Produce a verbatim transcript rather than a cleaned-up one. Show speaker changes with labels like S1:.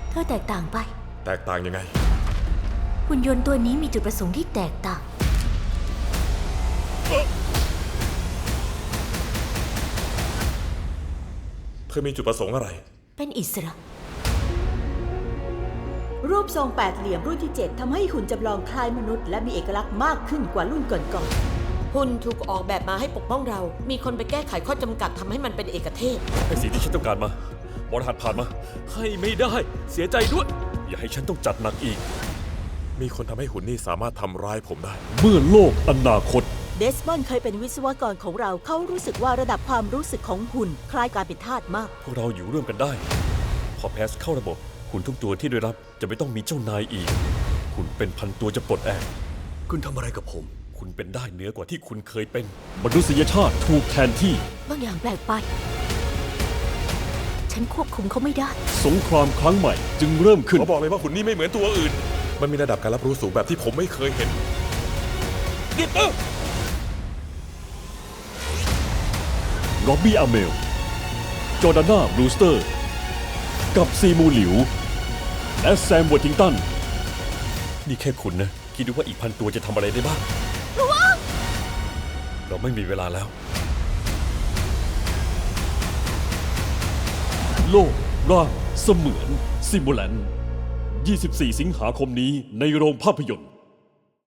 S1: เธอแตกต่างไป
S2: แตกต่างยังไง
S1: หุ่นยนต์ตัวนี้มีจุดประสงค์ที่แตกต่าง
S2: เธอมีจุดประสงค์อะไร
S1: เป็นอิสระ
S3: รูปทรงแปดเหลี่ยมรุ่นที่เจ็ดทำให้หุ่นจำลองคล้ายมนุษย์และมีเอกลักษณ์มากขึ้นกว่ารุ่นก่อนๆหุ่นถูกออกแบบมาให้ปกป้องเรา มีคนไปแก้ไขข้อจำกัดทำให้มันเป็นเอกเทศ
S4: ให้สิ่งที่ฉันต้องการมาบอลหัดผ่านมาให้ไม่ได้เสียใจด้วยอย่าให้ฉันต้องจัดหนักอีก
S2: มีคนทำให้หุ่นนี่สามารถทำร้ายผมได้
S4: เมื่อโลกอนาคต
S3: เดสมอนด์เคยเป็นวิศวกรของเราเขารู้สึกว่าระดับความรู้สึกของหุ่นคล้ายการเป็นทาสมาก
S4: พวกเราอยู่ร่วมกันได้พอแพสเข้าระบบหุ่นทุกตัวที่ได้รับจะไม่ต้องมีเจ้านายอีกหุ่นเป็นพันตัวจะปลดแอก
S5: คุณทำอะไรกับผม
S4: คุณเป็นได้เหนือกว่าที่คุณเคยเป็นมนุษยชาติถูกแทนที่
S1: บางอย่างแปลกไปฉันควบคุมเขาไม่ได้
S4: สงครามครั้งใหม่จึงเริ่มขึ้น
S2: เขาบอกเลยว่าหุ่นนี่ไม่เหมือนตัวอื่นมันมีระดับการรับรู้สูงแบบที่ผมไม่เคยเห็น
S4: หยุดนะร็อบบี้อาเมลจอร์ดาน่าบรูสเตอร์กับซีมูหลิวและแซมวอร์ทิงตันนี่แค่คุณนะคิดดูว่าอีกพันตัวจะทำอะไรได้บ้างเราไม่มีเวลาแล้วโลกร่างเสมือนซิมูแลนยี่สิบสี่สิงหาคมนี้ในโรงภาพยนตร์